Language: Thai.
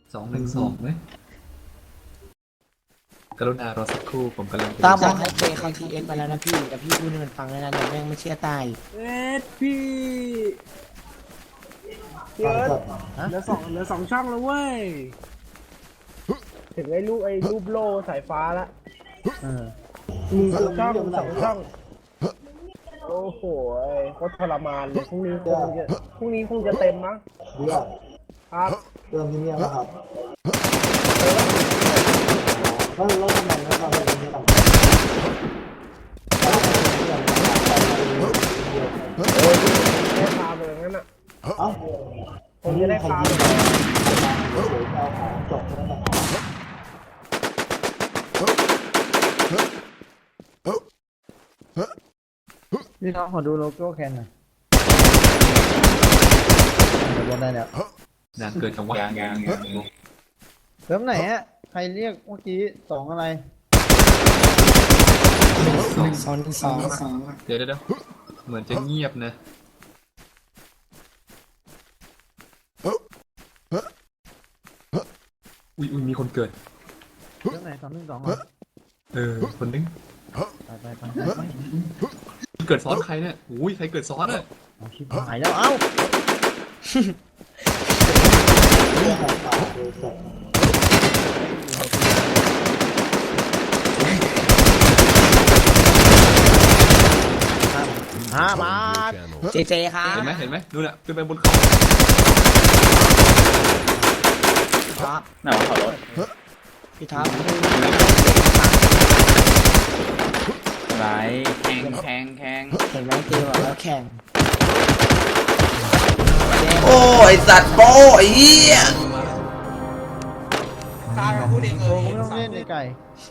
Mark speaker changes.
Speaker 1: 212ไหมกรุณารอสักครู่ผมกำลัง
Speaker 2: ตามบอกให้เบย์เขาทีเอ็กไปแล้วนะพี่แต่พี่พูดให้มันฟังแล้วนะเดี๋ยวแม่งไม่เชื่อตาย
Speaker 3: พี่เอิร์ธเหลือสองช่องแล้วเว้ยถึงไอ้รูปโล่สายฟ้าละมีสองช่องโอ้โหโคตรทรมานเลยพรุ่งนี้คงจะเต็มมั้ง
Speaker 4: เรื่อง
Speaker 3: ครับ
Speaker 4: เรื่องที่เนี่ยนะครับแล้วทำไมไม่ทำแบบนี้ต่าง
Speaker 3: โอ้ยได้ฟาร์มเลยงั้นอ่ะ
Speaker 4: เอ้า
Speaker 3: ผมจะได้ฟาร์มเลย
Speaker 4: เดี๋ยวเอาของจบแล้วนะ
Speaker 5: พี่น้องขอดูโลโก้แคนหน่อยบนได้แล้ว
Speaker 1: นานเกินจังหวะ
Speaker 5: เติมไหนฮะใครเรียกเมื่อกี้สองอะไร
Speaker 1: เดี๋ยวเหมือนจะเงียบนะอุ้ยมีคนเกิด
Speaker 5: เติมไหน212เหรอ
Speaker 1: คนนึง
Speaker 5: ไป
Speaker 1: เกิดซ้อนใครเนี่ยอุ้ยใครเกิดซ้อนอ่ะ
Speaker 5: เอาชิบหายแล้วเอ้า
Speaker 4: เรื่องของป่าโดยจบ
Speaker 5: 5 บาท
Speaker 2: เจเจครับ
Speaker 1: เห็นไหมนู่นน่ะขึ้นไปบนเขา
Speaker 2: ครับ
Speaker 6: ไหนวะขับรถ
Speaker 2: พี่ท็อป
Speaker 6: ไรแข่ง
Speaker 2: เห็นไหมเจบอกแล้วแข่ง
Speaker 7: โอ้ยสัตว์โป้ไอ้เหี้ย
Speaker 5: โอ้ไม่ต้องเล่นในไก่